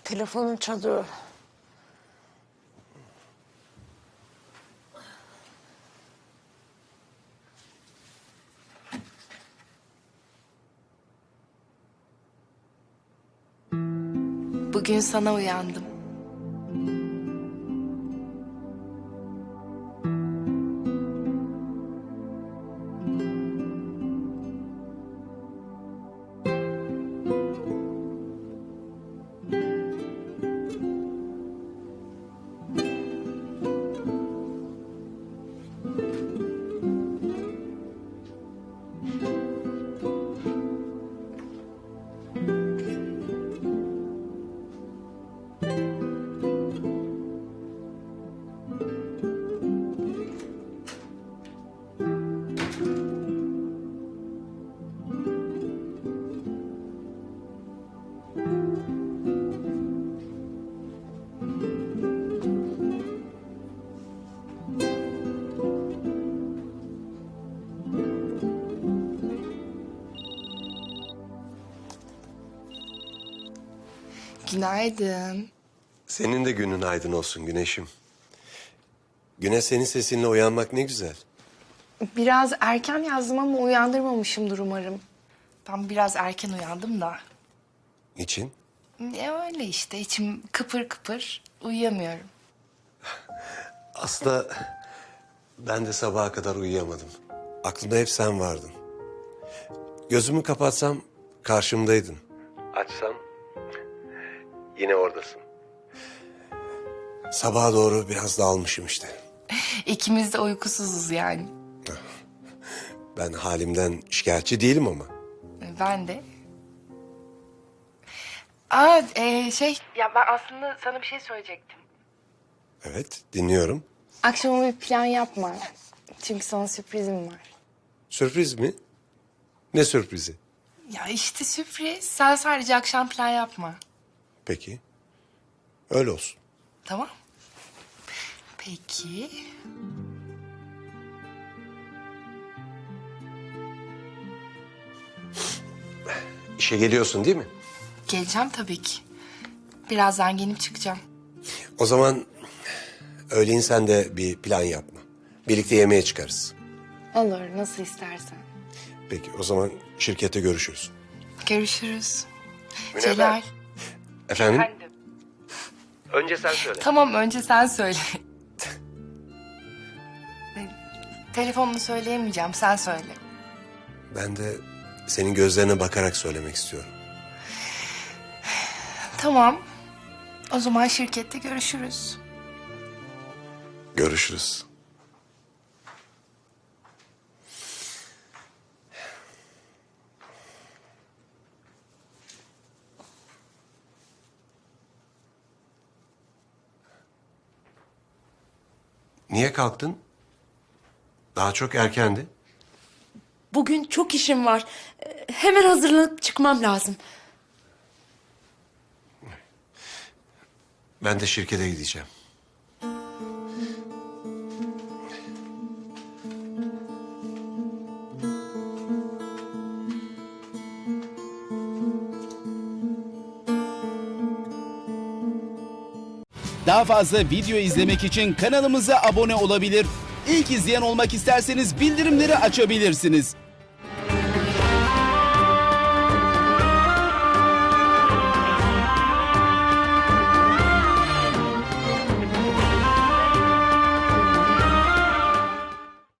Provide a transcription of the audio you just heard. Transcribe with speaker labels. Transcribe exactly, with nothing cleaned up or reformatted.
Speaker 1: Telefonun çalıyor.
Speaker 2: Bugün sana uyandım. Günaydın.
Speaker 3: Senin de günün aydın olsun Güneş'im. Güne senin sesinle uyanmak ne güzel.
Speaker 2: Biraz erken yazdım ama uyandırmamışımdır umarım. Ben biraz erken uyandım da.
Speaker 3: Niçin?
Speaker 2: E öyle işte, içim kıpır kıpır, uyuyamıyorum.
Speaker 3: Aslında ben de sabaha kadar uyuyamadım. Aklımda hep sen vardın. Gözümü kapatsam karşımdaydın. Açsam yine oradasın. Sabaha doğru biraz dağılmışım işte.
Speaker 2: İkimiz de uykusuzuz yani.
Speaker 3: Ben halimden şikayetçi değilim ama.
Speaker 2: Ben de. Aa e, şey... Ya ben aslında sana bir şey söyleyecektim.
Speaker 3: Evet, dinliyorum.
Speaker 2: Akşama bir plan yapma. Çünkü sana sürprizim var.
Speaker 3: Sürpriz mi? Ne sürprizi?
Speaker 2: Ya işte sürpriz. Sen sadece akşam plan yapma.
Speaker 3: Peki. Öyle olsun.
Speaker 2: Tamam. Peki.
Speaker 3: İşe geliyorsun değil mi?
Speaker 2: Geleceğim tabii ki. Birazdan gelip çıkacağım.
Speaker 3: O zaman öğleyin sen de bir plan yapma. Birlikte yemeğe çıkarız.
Speaker 2: Olur, nasıl istersen.
Speaker 3: Peki o zaman şirkette görüşürüz.
Speaker 2: Görüşürüz.
Speaker 3: Münevver.
Speaker 2: Celal.
Speaker 3: Efendim? Önce sen söyle.
Speaker 2: Tamam, önce sen söyle. Telefonunu söyleyemeyeceğim, sen söyle.
Speaker 3: Ben de senin gözlerine bakarak söylemek istiyorum.
Speaker 2: Tamam. O zaman şirkette görüşürüz.
Speaker 3: Görüşürüz. Niye kalktın? Daha çok erkendi.
Speaker 1: Bugün çok işim var. Ee, Hemen hazırlanıp çıkmam lazım.
Speaker 3: Ben de şirkete gideceğim.
Speaker 4: Daha fazla video izlemek için kanalımıza abone olabilir. İlk izleyen olmak isterseniz bildirimleri açabilirsiniz.